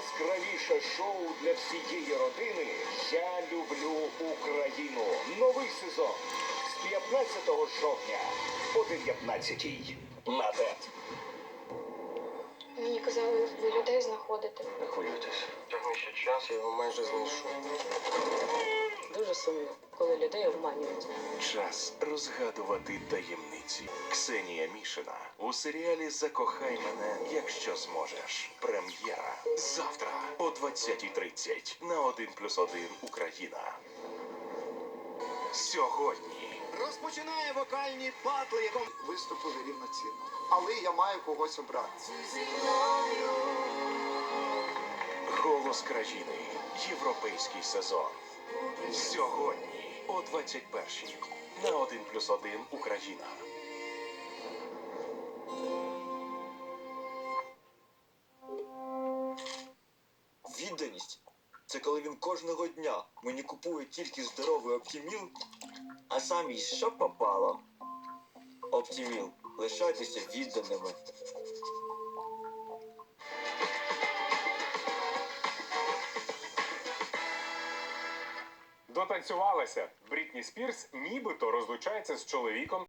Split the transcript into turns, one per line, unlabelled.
найяскравіше шоу для всієї родини «Я люблю Україну». Новий сезон з 15 жовтня о 19 на ТЕТ.
Мені казали, ви людей знаходите.
Не хвилюйтесь. Тягни ще час, я його майже знайшов.
Дуже сумно, коли людей обманюють.
Час розгадувати таємниці. Ксенія Мішина у серіалі «Закохай мене, якщо зможеш». Прем'єра завтра о 20:30 на 1+1 Україна. Сьогодні
Розпочинає вокальні батли, якому виступили рівноцінно. Але я маю когось обрати.
«Голос країни», європейський сезон. Сьогодні о 21:00 на 1+1 Україна.
Відданість – це коли він кожного дня мені купує тільки здоровий Оптіміл, а сам їсть що попало. Оптіміл. Лишайтеся відданими.
Дотанцювалася. Брітні Спірс нібито розлучається з чоловіком